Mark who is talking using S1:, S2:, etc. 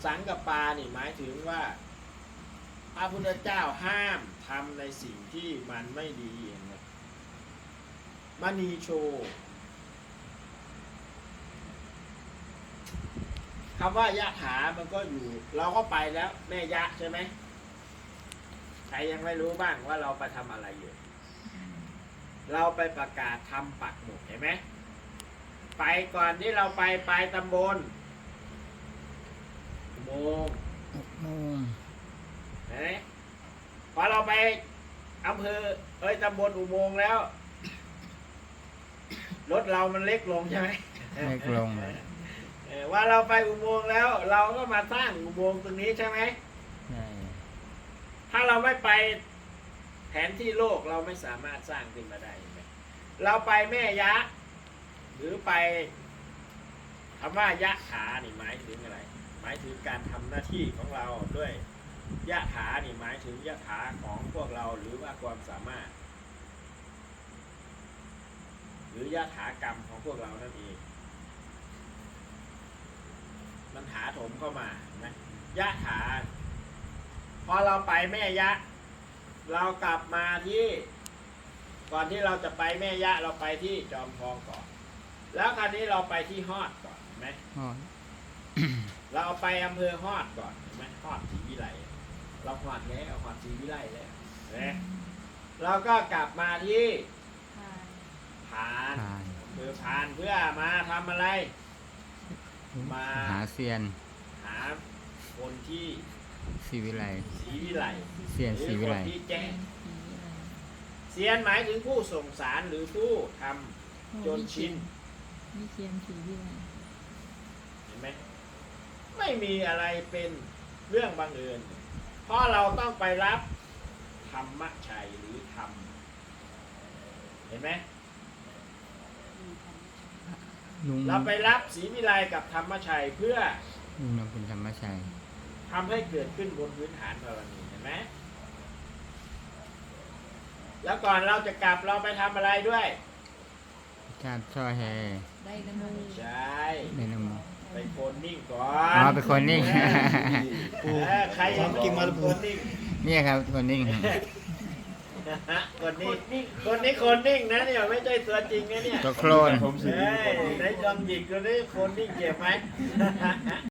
S1: สังกัปปานี่หมายถึงว่าพระพุทธเจ้าห้ามทำในสิ่งที่มันไม่ดีนะมณีโชคำว่ายะถามันก็อยู่เราก็ไปแล้วแม่ยะใช่ไหมใครยังไม่รู้บ้างว่าเราไปทำอะไรอยู่เราไปประกาศทำปักหมุดเห็นไหมไปก่อนที่เราไปตำบลอุโมงค์เห็นไหมพอเราไปอำเภอตำบลอุโมงค์แล้วรถเรามันเล็กลงใช่ไหม
S2: เล็กลง
S1: ว่าเราไปอุโมงค์แล้ว เราก็มาสร้างอุโมงค์ตรงนี้ใช่ไหม
S2: ใช่
S1: ถ้าเราไม่ไปแผนที่โลกเราไม่สามารถสร้างขึ้นมาได้เราไปแม่ยะหรือไปคำว่ายะถานี่หมายถึงอะไรหมายถึงการทำหน้าที่ของเราด้วยยะถานี่หมายถึงยะถาของพวกเราหรือว่าความสามารถหรือยะถากรรมของพวกเรานั่นเองมันถาโถมเข้ามานะยะถาพอเราไปแม่ยะเรากลับมาที่ก่อนที่เราจะไปแม่ยะเราไปที่จอมทองก่อนแล้วคราวนี้เราไปที่ฮอดก่อนเห็นไหม
S2: ฮอด
S1: เราไปอำเภอฮอดก่อนเห็นไหมฮอดศรีวิไลเราฮอดแล้วฮอดศรีวิไลแล้วนะเราก็กลับมาที่พานอำเภอพานเพื่อมาทำอะไรมา
S2: หาเซียน
S1: หาคนที่
S2: ศรีวิไล
S1: ศรีวิไล
S2: เซียนศรีวิไล
S1: ที่แจ้งเซียนหมายถึงผู้ส่งสารหรือผู้ทำจนชิน
S3: วิเชียรศรีวิไล
S1: เห็นไหมไม่มีอะไรเป็นเรื่องบังเอิญเพราะเราต้องไปรับธรรมชัยหรือธรรมเห็นไหมเราไปรับศรีวิไลกับธรรมชัยเพื่อ
S2: ลุงนำคุณธรรมชัย
S1: ทำให้เกิดขึ้นบนพื้นฐานบารมีเห็นไหมแล้วก่อนเราจะกลับเราไปทำอะไรด้วย
S2: การช่อแฮ
S3: ได้น้ำมู
S1: ใช่
S2: ได้น้ำมู
S1: ไปโคนนิ่งก่อน
S2: ไปโคนนิ่ง
S1: ใครยังกินมาโคนนิ่ง
S2: นี่ครับโคนนิ่ง
S1: คนนิ่งนะเนี่ยไม่ใช่ตัวจริงนะเนี่ย
S2: ตัวโคลน
S1: ในจอมหยิกตัวนี้คนนิ่งเก็บไหม